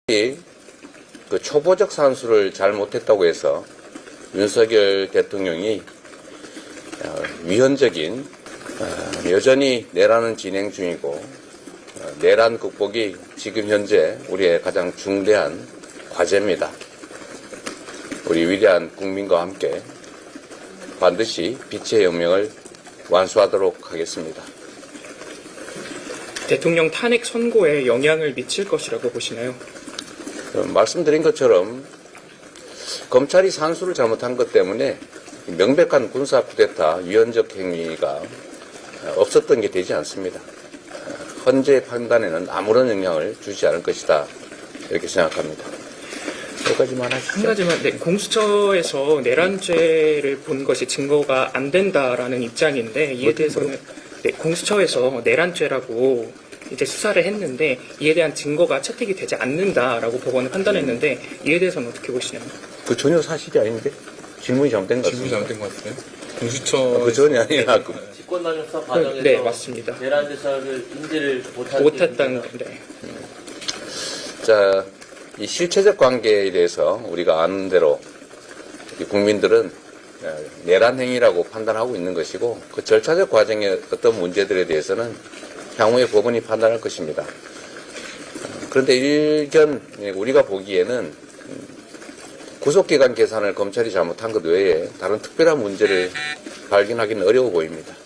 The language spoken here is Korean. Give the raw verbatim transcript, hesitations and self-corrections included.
그 초보적 산수를 잘 못했다고 해서 윤석열 대통령이 위헌적인 여전히 내란은 진행 중이고 내란 극복이 지금 현재 우리의 가장 중대한 과제입니다. 우리 위대한 국민과 함께 반드시 빛의 혁명을 완수하도록 하겠습니다. 대통령 탄핵 선고에 영향을 미칠 것이라고 보시나요? 말씀드린 것처럼 검찰이 산수를 잘못한 것 때문에 명백한 군사 쿠데타 위헌적 행위가 없었던 게 되지 않습니다. 헌재 판단에는 아무런 영향을 주지 않을 것이다 이렇게 생각합니다. 여기까지만 하시죠. 한 가지만, 네, 공수처에서 내란죄를 본 것이 증거가 안 된다라는 입장인데 이에 대해서는 네, 공수처에서 내란죄라고 이제 수사를 했는데 이에 대한 증거가 채택이 되지 않는다라고 법원은 판단했는데 이에 대해서는 어떻게 보시나요? 그 전혀 사실이 아닌데 질문이 잘못된 것 질문이 같습니다. 잘못된 것 같아요. 공수처 어, 그 전이 아니라 그 직권남용 수사 과정에서 네, 맞습니다. 내란 대사를 인지를 못한 못했다는 건데. 자, 이 실체적 관계에 대해서 우리가 아는 대로 국민들은 내란 행위라고 판단하고 있는 것이고 그 절차적 과정의 어떤 문제들에 대해서는 향후에 법원이 판단할 것입니다. 그런데 일견 우리가 보기에는 구속기간 계산을 검찰이 잘못한 것 외에 다른 특별한 문제를 발견하기는 어려워 보입니다.